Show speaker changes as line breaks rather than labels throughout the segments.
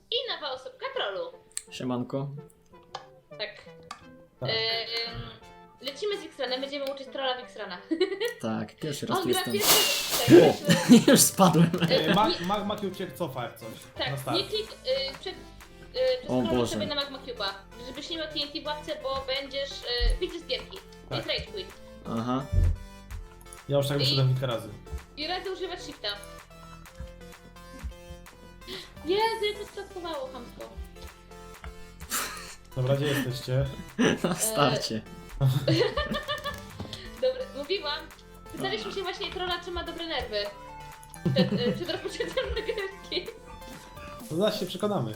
I nowa osobka trollu.
Siemanko.
Tak.
Tak.
Lecimy z X-Ranem, będziemy uczyć trolla w X-Rana.
Tak, pierwszy raz
On
tu
gra
jestem.
pierwszy. Tak,
Już spadłem.
Magma cię cofa jak coś. Na
tak,
start.
nie klik
O
przez
Boże.
sobie na Magma Cube'a, żebyś nie miał TNT w łapce, bo będziesz widzisz z gierki. To jest
Tak.
rage quit.
Aha.
Ja już tak wyszedłem kilka razy.
I radzę używać shifta. Jezu, jak to splatkowało chamsko.
Dobra, gdzie jesteście?
Na starcie.
Dobra, mówiłam. Pytaliśmy się właśnie trolla, czy ma dobre nerwy. Przed rozpoczęciem nagrywki.
No zaraz się przekonamy.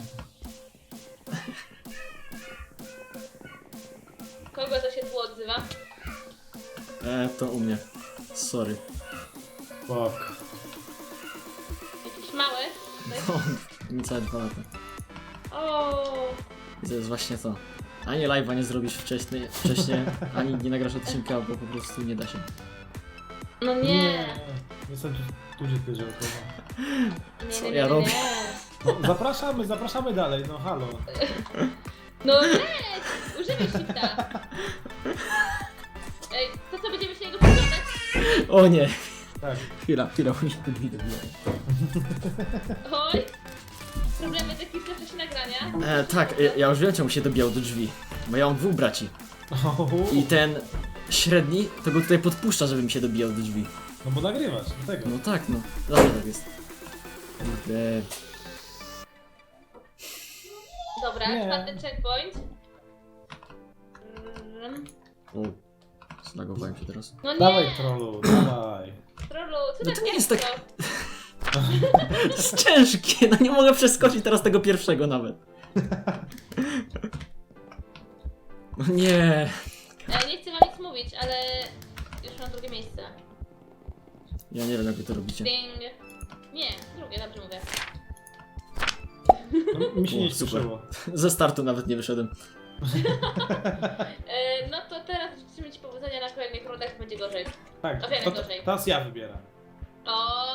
Kogo to się tu odzywa?
To u mnie. Sorry.
Fuck.
Jakiś mały?
No, niecałe 2 lata.
O.
I to jest właśnie to. Ani live'a nie zrobisz wcześniej, ani nie nagrasz odcinka, bo po prostu nie da się.
No nie.
Jestem tu gdzie ty, żeby to...
Co ja robię?
No, zapraszamy dalej, no halo.
No leć! Używaj shifta. Ej, to co, będziemy się niego przyglądać?
O nie!
Tak.
Chwila, bo mi się drzwi dobijają.
Oj. Problemy takie w czasie nagrania.
Tak, ja już wiem czemu się dobijał do drzwi. Bo ja mam 2 braci. I ten średni to go tutaj podpuszcza, żeby mi się dobijał do drzwi.
No bo nagrywasz, dlatego.
No tak, no. Zawsze tak jest. Kurde.
Dobra,
Nie.
4. checkpoint.
O, zlagowałem się teraz.
No nie!
Dawaj trollu, dawaj.
Trollu, co
No
tak
to nie jest
ciężko?
To jest ciężkie, no nie mogę przeskoczyć teraz tego pierwszego nawet. No nie.
Nie chcę wam nic mówić, ale już mam drugie miejsce.
Ja nie wiem jak wy to robicie.
Ding. Nie, drugie, dobrze mówię.
No, mi się nie
O, super.
śpieszyło.
Ze startu nawet nie wyszedłem.
No to teraz życzymy ci powodzenia na kolejnych rundach, będzie gorzej.
Tak,
O wiele
to,
gorzej.
teraz ja wybieram.
O,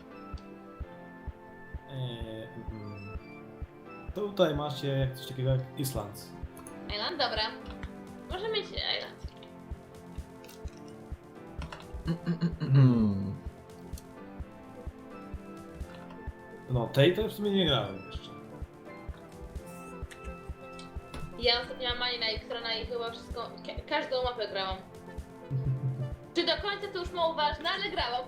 Tutaj macie coś takiego jak Islands.
Island, dobra. Może mieć Island.
Hmm.
No, tej to w sumie nie grałem jeszcze.
Ja ostatnio mam mani na X-Rana i chyba wszystko, każdą mapę grałam. Czy do końca to już mało ważne, ale grałam.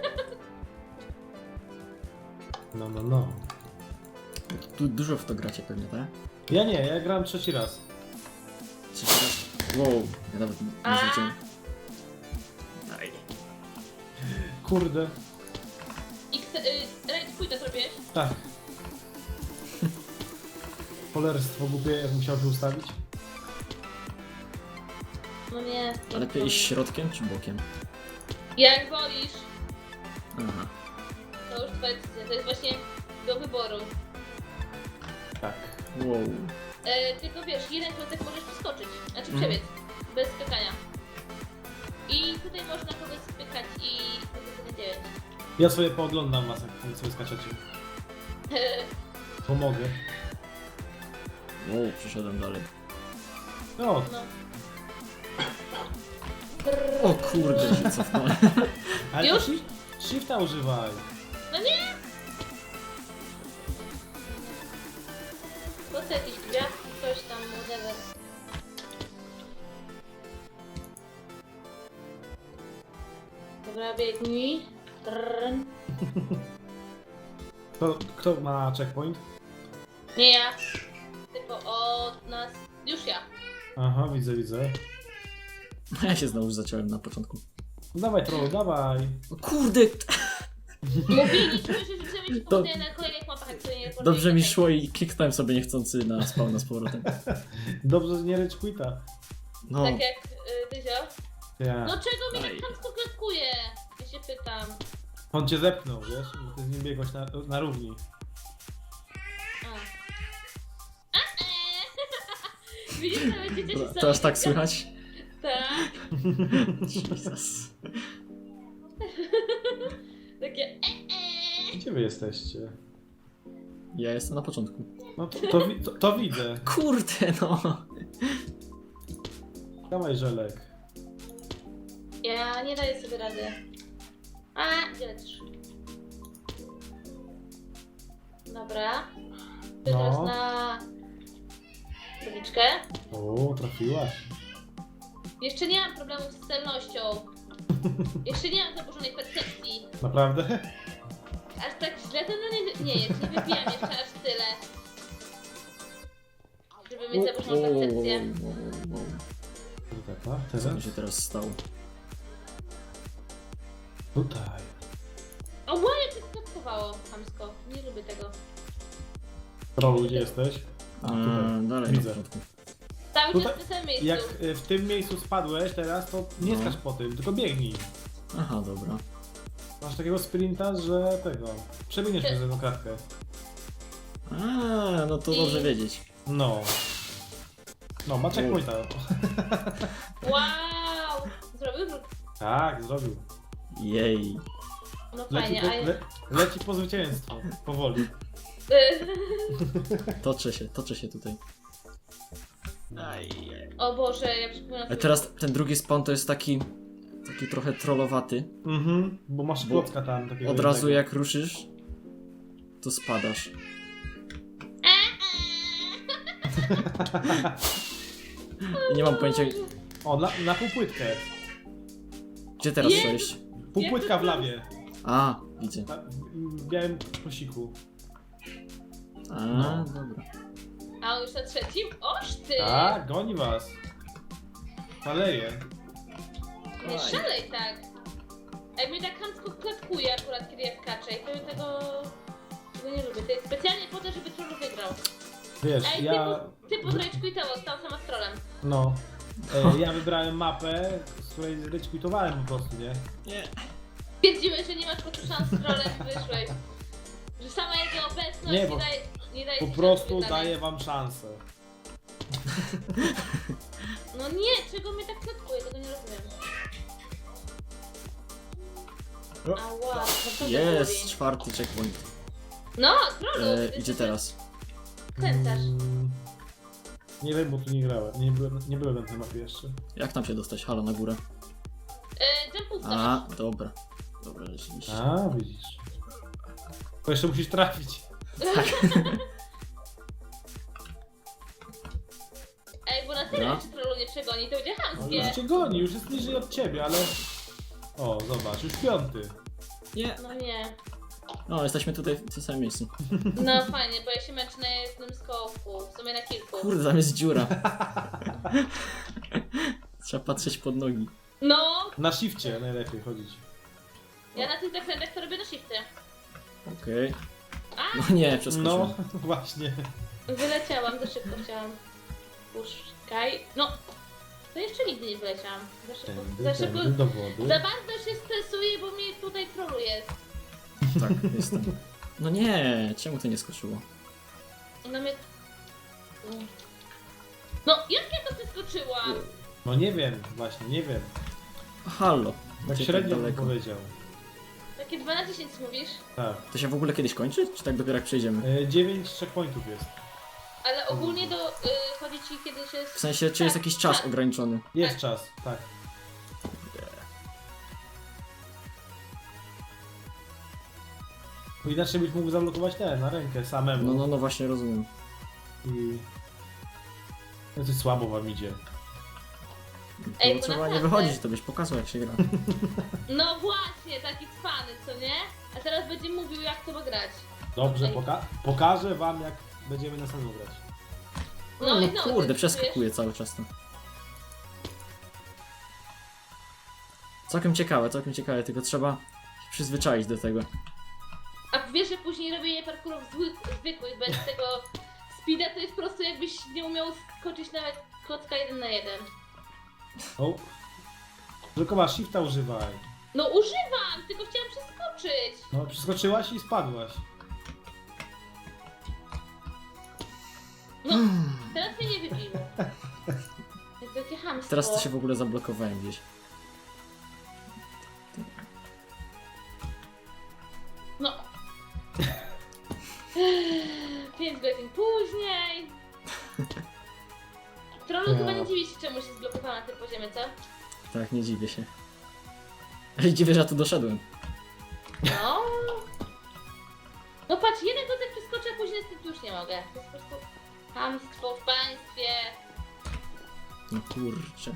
No.
Tu dużo w to gracie pewnie, tak?
Ja nie, ja grałem trzeci raz.
Trzeci raz. Wow, ja nawet nie zliczyłem. Aj.
Kurde.
Rage pójdę zrobiłeś?
Tak. Cholerstwo głupie, jak musiał się ustawić.
No nie.
A lepiej iść środkiem czy bokiem?
Jak wolisz,
Aha.
to już twoja decyzja. To jest właśnie do wyboru.
Tak.
Wow.
Tylko wiesz, jeden klocek możesz przeskoczyć, znaczy
Mhm.
przebiec, bez spykania. I tutaj można kogoś spykać i to 9.
Ja sobie pooglądam was, jak sobie skaczecie. Pomogę.
Wow, przeszedłem dalej.
No,
No.
O kurde, się cofnąłem.
ale
Już?
to shifta używaj.
No nie! Po co jakieś gwiazdki, coś tam, whatever. Dobra, biegnij. Trrrn.
Kto ma checkpoint?
Nie ja. Tylko od nas. Już ja.
Aha, widzę.
Ja się znowu zaciąłem na początku.
No dawaj trollu, dawaj.
O kurde,
Mówiliśmy, że życzymy ci
To-
powodzenia na kolejnych mapach, jak sobie nie
dobrze mi szło i kliknąłem sobie niechcący na spawna z powrotem.
Dobrze, że nie rage quita.
No,
Tak jak Dyzio.
Ja.
No czego mnie
Aj.
tak chamsko klaskuje? Ja się pytam.
On cię zepchnął, wiesz? Bo ty z nim biegłeś na równi.
Widzisz, nawet dziecię się
to aż tak słychać?
Tak.
Jesus.
Takie
Gdzie wy jesteście?
Ja jestem na początku.
No to widzę.
Kurde no.
Dawaj żelek.
Ja nie daję sobie rady. A, gdzie lecisz? Dobra. Ty
No.
teraz na... Tabliczkę.
O, trafiłaś.
Jeszcze nie mam problemów z celnością. Jeszcze nie mam zaburzonej percepcji.
Naprawdę?
Aż tak źle to nie jest. Nie wypijam jeszcze aż tyle. Żeby mieć zaburzoną percepcję.
Tutaj,
Co
teraz?
mi się teraz stało?
Tutaj.
O, ładnie to skutkowało chamsko. Nie lubię tego.
Rolu, gdzie jesteś? A, tutaj.
Dalej
Widzę.
na początku.
Cały
Tutaj-
czas w tym samym miejscu.
Jak w tym miejscu spadłeś teraz, to nie
No.
skacz po tym, tylko biegnij.
Aha, dobra.
Masz takiego sprinta, że tego... Przebiegniesz przez jedną kratkę.
A, no to dobrze wiedzieć.
No. No, ma checkpointa.
Wow! Zrobił rzut.
Tak, zrobił.
Jej.
No
Leci
fajnie,
po,
a ja...
leci po zwycięstwo. Powoli.
Toczę się tutaj. Aj.
O Boże, ja przypominam
Ale
sobie...
teraz ten drugi spawn to jest taki trochę trollowaty.
Mhm, bo masz
Bo
klocka tam takiego
Od razu
jednego.
jak ruszysz, to spadasz. I nie mam pojęcia,
O, na półpłytkę.
gdzie teraz
Jezu.
przejść.
Półpłytka w lawie.
A, widzę.
W białym kosiku.
A,
No.
dobra.
A on już na trzecim? Oż ty!
Tak, goni was. Szaleje.
Nie szalej tak. Jak mnie tak chamsko klatkuje akurat, kiedy ja skaczę i to tego nie lubię. To jest specjalnie po to, żeby trollu wygrał.
Wiesz,
Ej,
ja...
ty podrejczkuj-tało, stał sama z trollem.
No. Ja wybrałem mapę, z której zryczkwitowałem po prostu, nie?
Nie.
Stwierdziłeś, że nie masz po prostu szans z trolem, wyszłeś. Że sama jego obecność
Nie,
nie,
bo
daje
Po
ci
prostu
szans wygrania.
daję wam szansę.
No nie, czego mnie tak klatkuje, tego nie rozumiem. Ała, no to
Jest,
boli.
czwarty checkpoint.
No, trollu!
Idzie teraz.
Kręcasz.
Nie wiem, bo tu nie grałem. Nie byłem na tej mapie jeszcze.
Jak tam się dostać? Halo, na górę.
Jumpówka.
A, dobra. Dobra, rzeczywiście.
A, widzisz. To jeszcze musisz trafić.
Ej, bo na tyle
No.
czy trollu nie przegoni, to będzie
No,
chamskie.
już cię goni, już jest niżej od ciebie, ale... O, zobacz, już piąty.
Nie.
No nie.
No, jesteśmy tutaj w tym samym miejscu.
No fajnie, bo ja się męczę na jednym skoku, w sumie na kilku.
Kurde, tam jest dziura. Trzeba patrzeć pod nogi.
No,
Na shifcie najlepiej chodzić.
ja na tych zakrętach to robię na shifty.
Okej.
A,
No nie, przeskoczyłem.
No, właśnie.
wyleciałam, za szybko chciałam. Puszczaj. No, to jeszcze nigdy nie wyleciałam. Za szybko,
Tędy do wody.
za bardzo się stresuję, bo mnie tutaj trollu jest.
Tak, jestem. No nie, czemu to nie skoczyło?
No mnie... No, jak ja to przeskoczyłam?
No nie wiem, właśnie, nie wiem.
Halo.
Tak
Gdzie
średnio bym
daleko?
powiedział.
Takie 2 na 10 mówisz?
Tak.
To się w ogóle kiedyś kończy? Czy tak dopiero jak przejdziemy?
9 checkpointów jest.
Ale ogólnie chodzi ci kiedy się...
W sensie, czy jest
Tak,
jakiś czas
tak.
ograniczony?
Jest
Tak.
czas, tak. Bo inaczej byś mógł zablokować na rękę samemu.
No właśnie rozumiem.
I... No coś słabo wam idzie.
Ej,
To
bo
trzeba nie
naprawdę.
wychodzić, to byś pokazał jak się gra.
No właśnie, taki cwany, co nie? A teraz będzie mówił jak to ma grać.
Dobrze,
Ej.
pokażę wam jak będziemy na samym grać.
No,
i
kurde,
ty
przeskakuje cały czas to. Całkiem ciekawe, tylko trzeba się przyzwyczaić do tego.
A wiesz, że później robienie parkurów zwykłych, bez tego speeda, to jest po prostu jakbyś nie umiał skoczyć nawet klocka 1 na 1.
O. Tylko masz shifta używaj.
No używam, tylko chciałam przeskoczyć.
No, przeskoczyłaś i spadłaś.
No, teraz mnie nie wybiło. Jak wielkie chamstwo.
Teraz to się w ogóle zablokowałem gdzieś.
No. 5 godzin później. Trollu
Ja.
chyba nie dziwi się, czemu się zblokowała na tym poziomie, co?
Tak, nie dziwię się. Ale dziwię, że ja tu doszedłem.
No. No patrz, jeden kotek przeskoczy, a później z tym już nie mogę. To jest po prostu hamstwo w państwie.
No kurczę.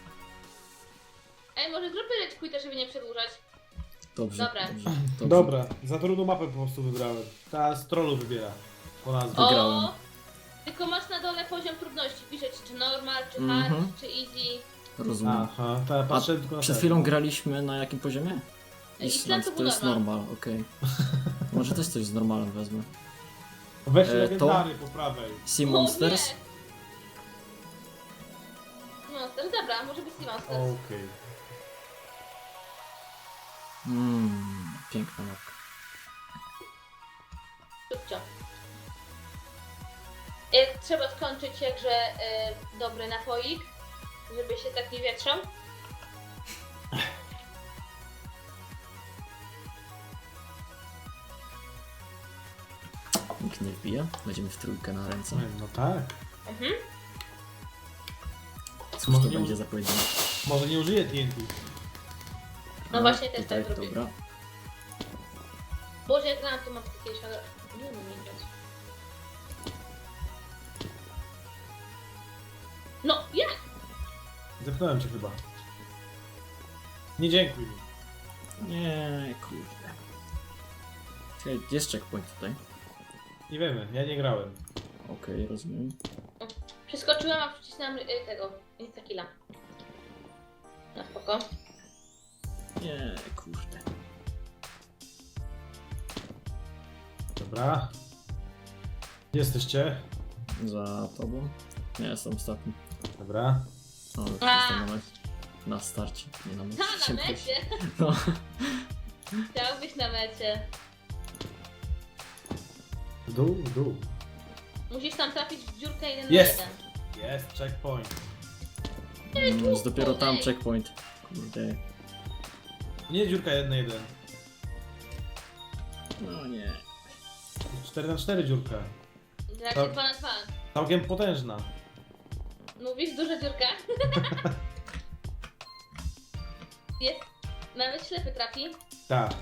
Ej, może zróbmy rage quita, żeby nie przedłużać.
Dobrze,
Dobra.
dobrze, dobrze.
Dobra, za trudną mapę po prostu wybrałem. Ta z trollu wybiera. Po nazwie.
Wygrałem.
O! Tylko masz na dole poziom trudności. Piszeć czy normal, czy hard,
Mhm.
czy easy.
Rozumiem.
Aha, to ja patrzę tylko na
Przed
ten.
chwilą graliśmy na jakim poziomie?
Island to
to
był
jest
normal.
normal, okej. Może też coś z normalem wezmę.
Weź
to-
legendary po prawej.
Sea
O,
Monsters?
nie. Monsters, dobra, może być Sea Monsters.
Okej.
Piękna mapka.
Szybcio. Jak trzeba skończyć jakże dobry napoik, żeby się tak nie wietrzał.
Nikt nie wbija. Będziemy w trójkę na ręce.
No tak.
Mhm.
Cóż
Może
to
nie
będzie za pojedynek?
Może nie użyję TNT.
No
A,
właśnie też
tutaj,
tak robię.
dobra.
Boże, jak grałam tu mapkę kiedyś, ale nie umiem jej grać. No, jak?
Zepnąłem cię chyba. Nie dziękuj mi.
Nie, kurde. Czekaj, jest checkpoint tutaj.
Nie wiemy, ja nie grałem.
Okej, rozumiem.
Przeskoczyłam, a wcisnęłam tego, insta-killa. Na spoko.
Nie, kurde.
Dobra. Gdzie jesteście?
Za tobą? Nie, jestem ostatni.
Dobra.
O,
A.
jestem na starcie, nie na mecie.
Ha, na mecie!
No.
Chciał być na mecie.
W dół, w dół.
Musisz tam trafić w dziurkę 1 na
Jest!
1.
Jest, checkpoint.
Jest dopiero tam checkpoint. Kurde.
Nie dziurka 1-1.
No nie.
4x4 dziurka.
Raczej
Tak.
2 na 2.
Całkiem potężna.
Mówisz, duża dziurka? Jest. Nawet ślepy trafi.
Tak.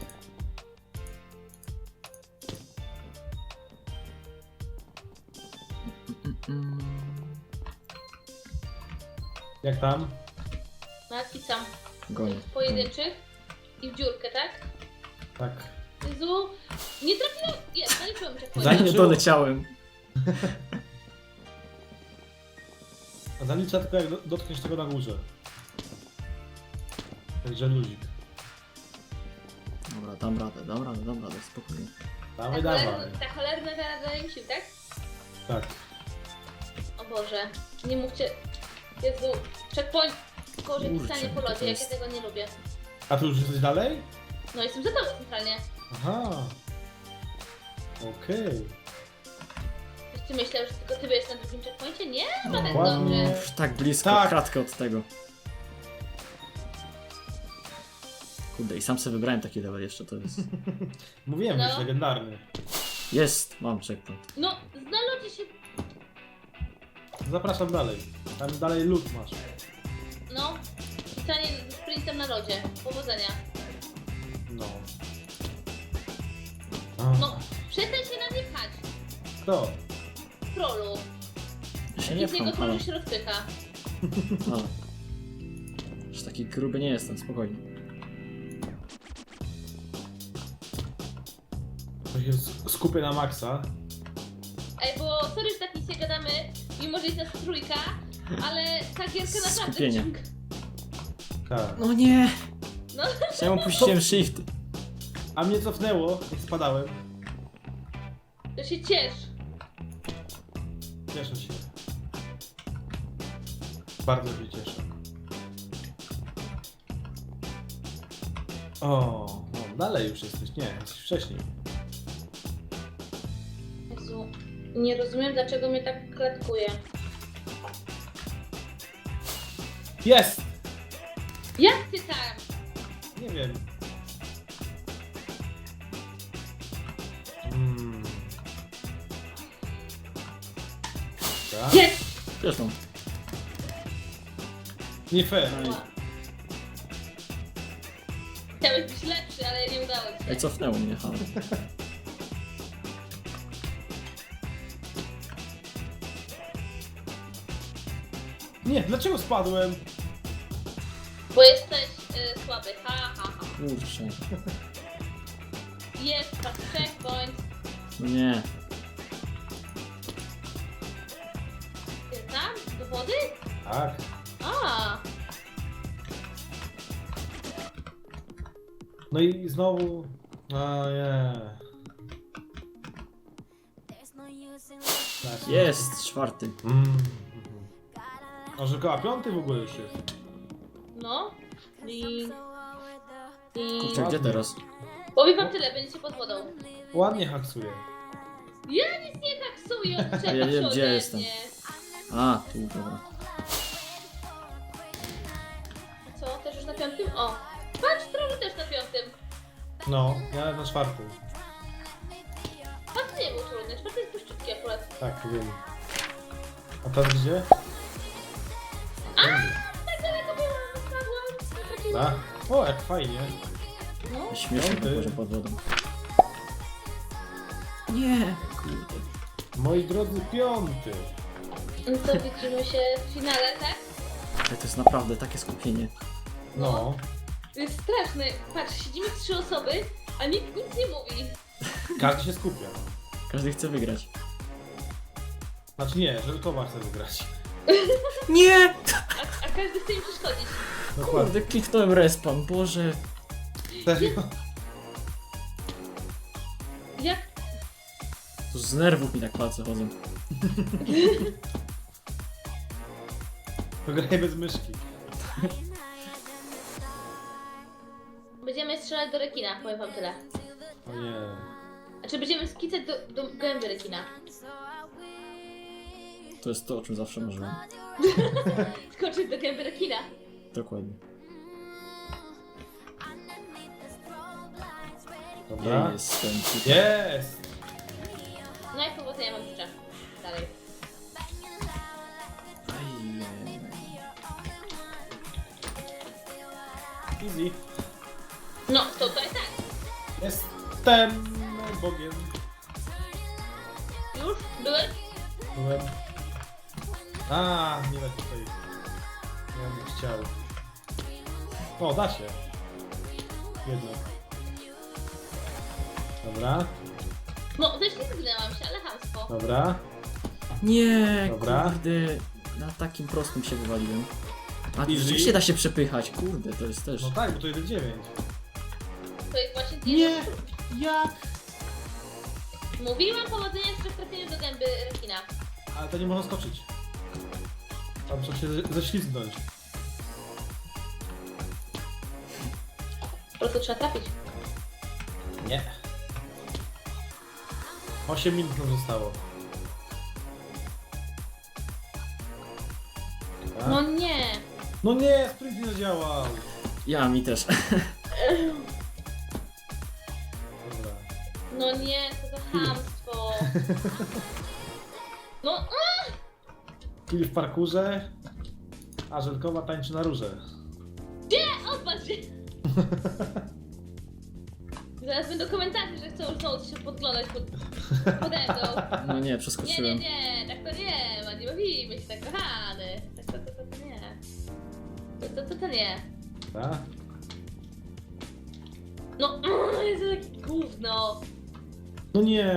Jak tam?
Matki sam.
Gonię.
W pojedynczych. I w dziurkę, tak?
Tak.
Jezu. Nie trafiłam. Jest, zaliczyłem cię w
Zanim-
pojedynczy.
Nie doleciałem.
A zalicza tylko jak dotkniesz tego na górze. Także luzik.
Dobra, dam radę, spokojnie.
Dawaj, dawaj.
Ta cholerna wiara daje mi sił, tak?
Tak.
O Boże. Nie mówcie. Jezu. Checkpoint. Gorzej
Kurczę,
pisanie po
to
lodzie, jak ja
jest-
tego nie lubię.
A tu już jesteś dalej?
No jestem za tobą centralnie.
Aha. Okej.
Ktoś ty myślał, że tylko ty będziesz na drugim checkpoincie? Nie, ma tak
Ładnie.
dobrze.
Już tak blisko,
Tak.
kratkę od tego. Kurde, i sam sobie wybrałem taki level jeszcze, to jest...
Mówiłem,
No.
że jest legendarny.
Jest, mam checkpoint.
No, na lodzie się...
Zapraszam dalej. Tam dalej lód masz.
No. Pisanie sprintem na lodzie. Powodzenia.
No.
No, przestań się na mnie pchać.
Kto?
Trollu.
Ja się
I
nie
z niego
pcham, halo.
trollu się rozpycha.
halo. Już taki gruby nie jestem, spokojnie.
To się skupię na maksa.
Ej, bo sorry, że tak nic nie gadamy, mimo że jest nas trójka, ale ta gierka naprawdę
Skupienie.
wciąga.
Tak.
No nie!
No.
Czemu puściłem shift?
A mnie cofnęło, jak spadałem.
To się ciesz.
Cieszę się. Bardzo się cieszę. O, no, dalej już jesteś. Nie, jesteś wcześniej.
Jezu, nie rozumiem, dlaczego mnie tak klatkuje.
Jest!
Jak ty tam?
Nie wiem. Dobra.
Jest!
Wiesz no.
Nie fair.
Chciałeś być lepszy, ale nie udało ci
Ej,
się.
cofnęło mnie, halo.
Nie, dlaczego spadłem?
Bo jesteś słaby. Ha, ha, ha.
Kurczę.
Jest, patrz, checkpoint.
Nie.
Jest tam? Do wody?
Tak.
A,
No i znowu... A nie.
Jest, czwarty.
A że koła piąty w ogóle już jest.
no. I...
Kurczę, gdzie teraz?
Powiem wam tyle, będziecie pod wodą.
Ładnie haksuje.
Ja nic nie taksuję, odczepiam
Ja nie wiem,
się
gdzie
ode
jestem.
mnie.
A, tu, dobra.
Co, też już na piątym? O! Patrz, trochę też na piątym.
No, ja na czwartym.
Patrz, nie był trudny, czwarty jest puszczutki akurat.
Tak, wiem. A teraz gdzie?
A, tak daleko byłam, spadłam.
Tak? O, jak fajnie.
No,
Śmiesznie
Piąty.
tylko, że pod wodą. Nie, kurde.
Moi drodzy, piąty.
no to widzimy się w finale, tak?
Ale to jest naprawdę takie skupienie.
No.
To jest straszne. Patrz, siedzimy 3 osoby, a nikt nic nie mówi.
Każdy się skupia.
Każdy chce wygrać.
Znaczy nie, że Towa chce wygrać.
Nie!
A każdy chce im przeszkodzić.
Dokładnie.
Kurde, kliknąłem respawn, Boże.
Serio?
Jak?
To z nerwów mi tak palce chodzą.
To graj bez myszki.
Będziemy strzelać do rekina, powiem wam tyle.
O nie.
Znaczy będziemy skicać do gęby rekina.
To jest to, o czym zawsze marzyłem.
Skoczyć do gęby rekina.
Dokładnie.
Dobra.
Ja jestem tutaj.
Jest!
No i powodzenia wam życzę. Dalej.
Ajej.
Easy.
No, to tutaj tak.
Jestem Bogiem.
Już? Byłeś?
Byłem. A, nie da się tutaj. Ja bym chciał. O, da się. Jednak. Dobra,
No, też nie zginęłam się, ale chamstwo.
dobra.
Nie,
Dobra.
kurde. Na takim prostym się wywaliłem. A tu
Easy.
rzeczywiście da się przepychać, kurde, to jest też.
No tak, bo to 1,9.
To jest właśnie
Nie! Jak?
Mówiłam powodzenia z trafieniem do gęby rekina.
Ale to nie można skoczyć. Tam trzeba się ześlizgnąć.
Po prostu trzeba trafić.
Nie. 8 minut nam zostało. Tak.
No nie.
No nie, sprint nie zadziałał.
Ja, mi też.
Dobra.
No nie, co za chamstwo. No,
Kill w parkurze, a Żelkowa tańczy na róże.
odpatrz się. Zaraz będą komentarze, że chcą znowu się podglądać pode mną.
No nie,
Nie,
przeskoczyłem.
nie, tak to nie ma, nie bawimy się tak, kochany. Tak to nie. To nie.
Tak?
No, jest takie gówno.
No nie.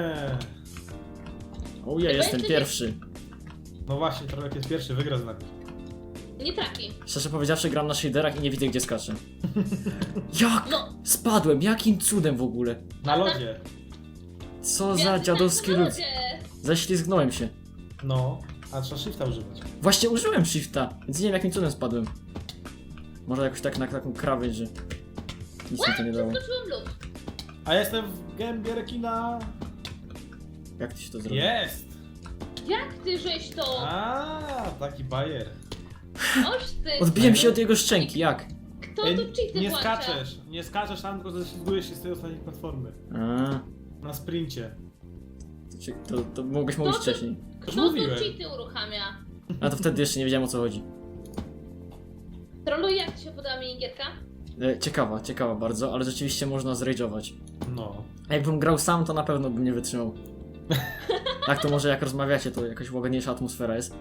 O, ja jestem pierwszy.
No właśnie, Trolek jest pierwszy, wygra znak.
Nie trafi.
Szczerze powiedziawszy, gram na shaderach i nie widzę, gdzie skaczę. Jak?
No,
Spadłem, jakim cudem w ogóle?
Na lodzie.
Co za
gwiazdy
dziadowski
tańczą na
lud.
lodzie.
Ześlizgnąłem się.
No, a trzeba shifta używać.
Właśnie użyłem shifta, więc nie wiem, jakim cudem spadłem. Może jakoś tak na taką krawędź, że nic mi to nie dało.
Skoczyłem lód.
A ja jestem w gębie rekina.
Jak ty się to zrobiło?
Jest!
Jak ty żeś to?
A, taki bajer.
Oż ty.
Odbiłem się od jego szczęki, jak?
Kto tu cheaty
nie
włącza?
skaczesz, nie skaczesz tam, tylko ześlizgujesz się z tej ostatniej platformy.
A,
Na sprincie.
To mogłeś mówić
To-
wcześniej.
Już
Kto tu
mówiłem.
cheaty uruchamia?
A to wtedy jeszcze nie wiedziałem o co chodzi.
Trolluj, jak ci się podoba minigierka?
Ciekawa bardzo, ale rzeczywiście można zrage'ować.
No.
A jakbym grał sam, to na pewno bym nie wytrzymał. Tak, to może jak rozmawiacie, to jakaś łagodniejsza atmosfera jest.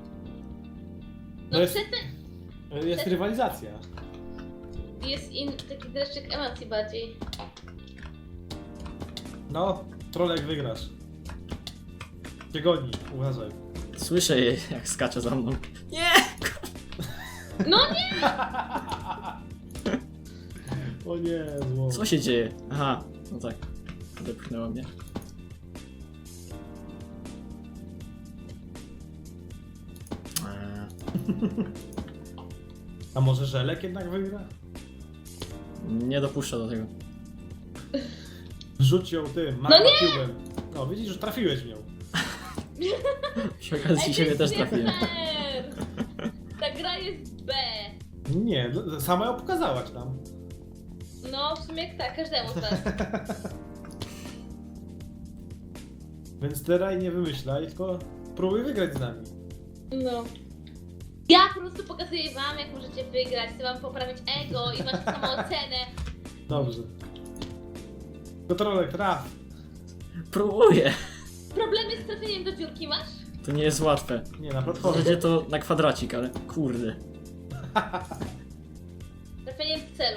No
jest-
przestań,
Jest rywalizacja.
jest taki dreszczyk emocji bardziej.
No, trolek wygrasz. Cię goni, uważaj.
Słyszę je, jak skacze za mną. Nie!
No nie!
O nie, zło.
Co się dzieje? Aha, no tak. Odepchnęła mnie.
A może Żelek jednak wygra?
Nie dopuszczę do tego.
Rzuć ją tym,
No nie!
piłem. No widzisz, że trafiłeś w nią.
Przy okazji
Ej,
siebie
to
też
jest nie
trafiłem.
fair. Ta gra jest B.
Nie, sama ją pokazałaś nam.
No, w sumie tak, każdemu z was.
Więc teraz nie wymyślaj, tylko próbuj wygrać z nami.
No. Ja po prostu pokazuję wam, jak możecie wygrać, chcę wam poprawić ego i waszą samoocenę.
Dobrze. Kontrolek, traf.
Próbuję.
Problemy z trafieniem do dziurki masz?
To nie jest łatwe.
Nie, na
Będzie
platformie.
to na kwadracik, ale kurde.
Trafieniem w celu.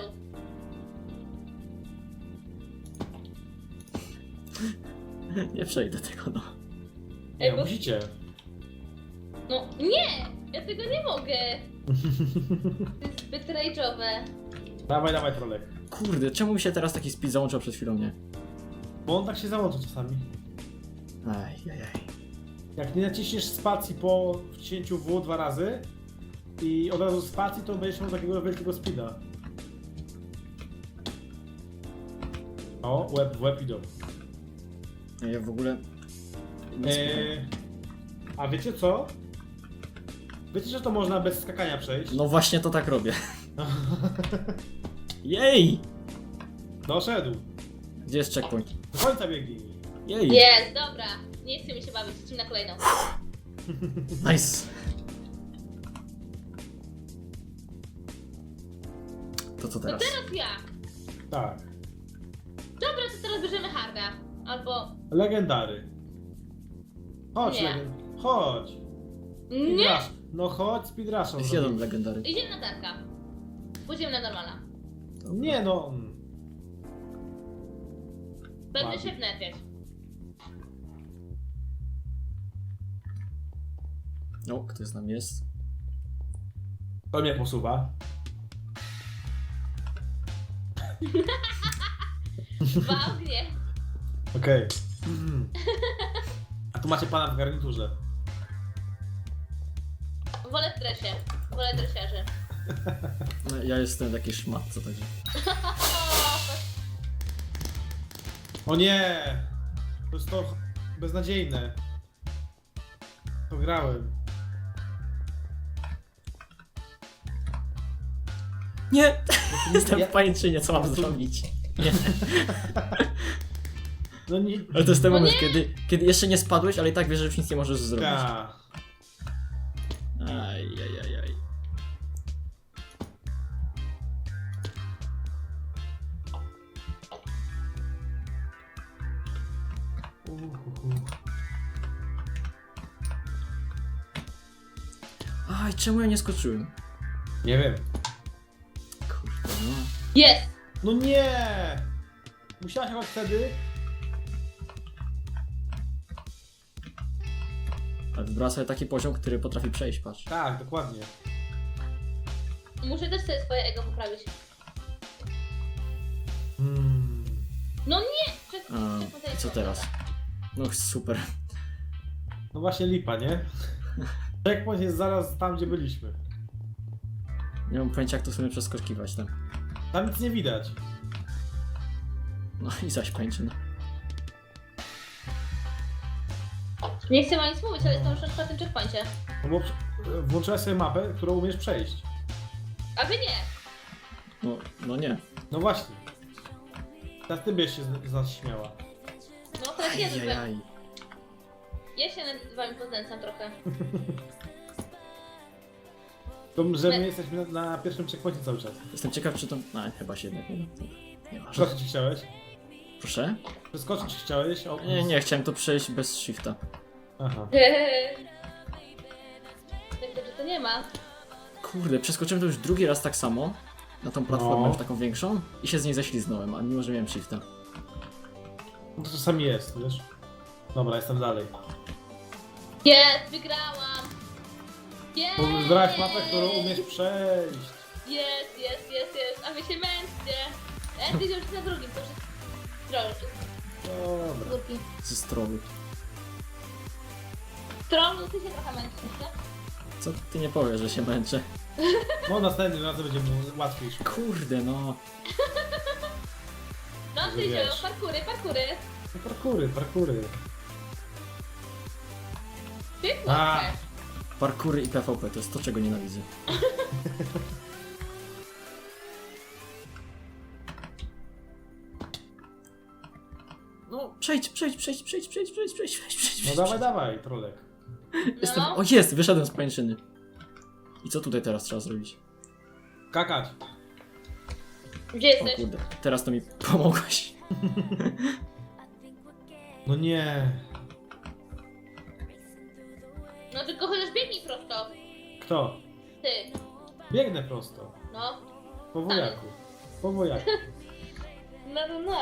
Nie przejdę tego, no.
Nie,
bo-
musicie.
No nie! Ja tego nie mogę. To jest zbyt rage'owe.
Dawaj, trolek.
Kurde, czemu mi się teraz taki speed załączył przed chwilą, nie?
Bo on tak się załączy czasami.
Ajajaj.
Jak nie naciśniesz spacji po wciśnięciu W 2 razy i od razu spacji, to będziesz miał takiego wielkiego speeda. O, łeb w łeb idą.
Ja w ogóle... nie słucham.
A wiecie co? Wiecie, że to można bez skakania przejść?
No właśnie to tak robię. Jej!
Doszedł.
Gdzie jest checkpoint?
Do końca biegnij.
Jej!
Jest, dobra. Nie chcę mi się bawić, lecimy na kolejną.
Nice! To co
To
teraz?
teraz ja.
Tak.
Dobra, to teraz bierzemy harda. Albo...
Legendary. Chodź,
Nie.
Chodź.
Nie!
Speedrush. No chodź, speedrushą.
Jest jeden legendary.
Idziemy na Darka. Pójdziemy na normala.
Nie no.
Będę
Ładnie.
się wnerwiać.
O, kto z nami jest?
To mnie posuwa.
W ognie.
Okej. A tu macie pana w garniturze.
Wolę w dresie. Wolę dresiarzy.
No, ja jestem taki szmat, co chodzi.
O nie! To jest to beznadziejne. To grałem.
Nie! Jestem
Ja-
w pańczynie, co mam zrobić? Nie.
No nie.
Ale to jest ten
No
moment,
nie!
kiedy jeszcze nie spadłeś, ale i tak wiesz, że już nic nie możesz zrobić.
Ta.
Ajajajaj. Aj, czemu ja nie skoczyłem?
Nie wiem.
Kurde, no.
Jest!
No nie! Musiałaś chyba wtedy.
Ale wybrała sobie taki poziom, który potrafi przejść, patrz.
Tak, dokładnie.
Muszę też sobie swoje ego poprawić. No nie!
A, i co teraz? No super.
No właśnie lipa, nie? Checkpoint jest zaraz tam, gdzie byliśmy.
Nie mam pojęcia, jak to sobie przeskakiwać tam.
Tam nic nie widać.
No i zaś pańczyna.
Nie chcę wam nic mówić, ale jestem już na czwartym checkpoincie.
No bo włączyłaś sobie mapę, którą umiesz przejść.
A wy nie!
No nie.
No właśnie. Teraz ty byś się z nas śmiała.
No teraz ja
Ajajaj.
Ja się nad wami poznęcam trochę.
To, że my jesteśmy na pierwszym checkpoincie cały czas.
Jestem ciekaw, czy to... No, chyba się jednak nie da. Nie ma.
Przeskoczyć chciałeś?
Proszę?
Przeskoczyć chciałeś? O,
Nie, chciałem to przejść bez shifta.
Aha.
Tak dobrze to nie ma.
Kurde, przeskoczyłem to już drugi raz tak samo. Na tą platformę
No.
już taką większą. I się z niej ześliznąłem, a mimo, że miałem shifta.
No to czasami jest, wiesz? Dobra, jestem dalej.
Jest, wygrałam! Jest!
Wybrałeś mapę, którą umiesz przejść.
Jest, a wy się męczcie! Ty już na drugim, to już jest troll.
Dobra.
Drugi.
Ze strony.
Trollu, ty się trochę męczysz, nie?
Co ty nie powiesz, że się męczę?
No następnym razem będzie mu łatwiej szło.
Kurde, no.
No,
Że
Tyzio,
wiesz.
parkury.
No, parkury.
Ty
A.
możesz.
Parkury i PvP to jest to, czego nienawidzę. No, przejdź.
No dawaj, trolek.
Jestem...
No.
O, jest! Wyszedłem z pańczyny. I co tutaj teraz trzeba zrobić?
Kakać.
Gdzie
O
jesteś?
kurde, teraz to mi pomogłeś.
No nie.
No tylko chociaż biegnij prosto.
Kto?
Ty.
Biegnę prosto.
No.
Po wojaku. Po wojaku.
No.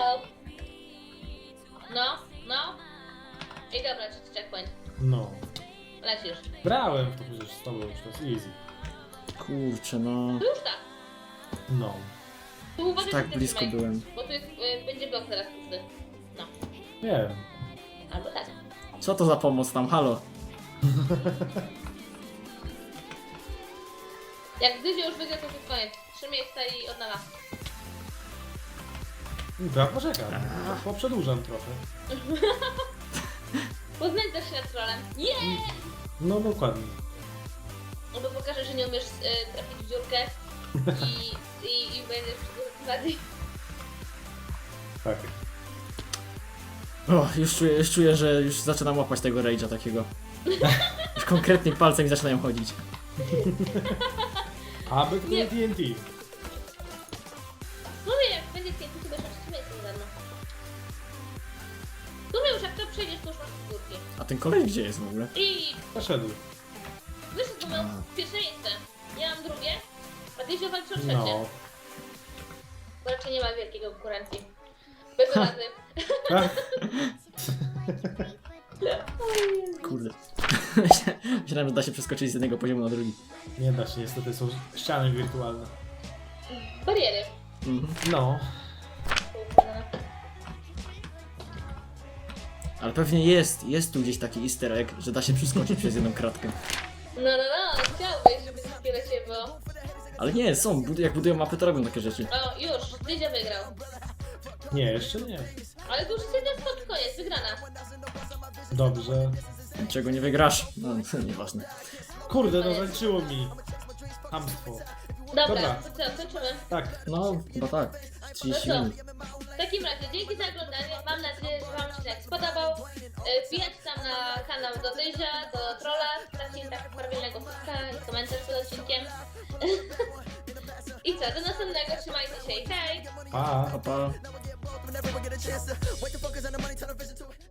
No. I dobra, checkpoint.
No.
Lecisz.
Brałem w to przecież z tobą już, to jest easy.
Kurczę, no.
Tu już tak.
No.
Tu uważaj,
Tak
że ty
blisko
trzymaj,
byłem.
Bo tu jest, będzie blok teraz pusty. No.
Nie wiem.
Albo tak.
Co to za pomoc tam, halo?
Jak Dyzio już wygra, to jest koniec. 3 miejsca i odnala.
To ja poczekam. Poprzedłużam trochę.
Poznęcasz się nad trolem. Nie!
No dokładnie.
No bo pokażę, że nie umiesz trafić w dziurkę i będziesz bardziej.
Tak.
O, już czuję, że już zaczynam łapać tego rage'a takiego. Już konkretnie palce mi zaczynają chodzić.
Aby to
Nie.
TNT.
Mówię, jak będzie piękny, to będziesz na 3 miejscu ze mną. Tu już jak to przejdziesz, to już masz górki.
A ten koleś gdzie jest w ogóle?
I
Poszedł.
wyszedł, to miał pierwsze miejsce. Ja mam drugie, a Dyzio walczy o trzecie.
No.
Bo raczej nie ma wielkiej konkurencji. Bez rady.
Kurde. Myślałem, że da się przeskoczyć z jednego poziomu na drugi.
Nie da się, niestety są ściany wirtualne.
Bariery.
Mhm.
No.
Ale pewnie jest tu gdzieś taki easter egg, że da się przeskoczyć przez jedną kratkę.
No, chciałbyś, żeby wszystkie do ciebie było.
Ale nie, są, jak budują mapy, to robią takie rzeczy.
O, już, Dyzio wygrał.
Nie, jeszcze nie.
Ale to już jest jeden spot, koniec, wygrana.
Dobrze.
Czego nie wygrasz? No, nieważne.
Kurde, no zaliczyło mi. Hamstwo.
Dobra,
Dobra.
to co, kończymy.
Tak.
No, chyba tak. 30 minut.
W takim razie, dzięki za oglądanie. Mam nadzieję, że wam się spodobał. Wbijajcie tam na kanał do Dyzia, do Trolla, dajcie tak prawielnego fuska i komentarz pod odcinkiem. I co, do następnego, trzymajcie się i hej!
Pa.
Pa, pa.
Whenever we get a chance to wait to focus on the money, turn our vision to it.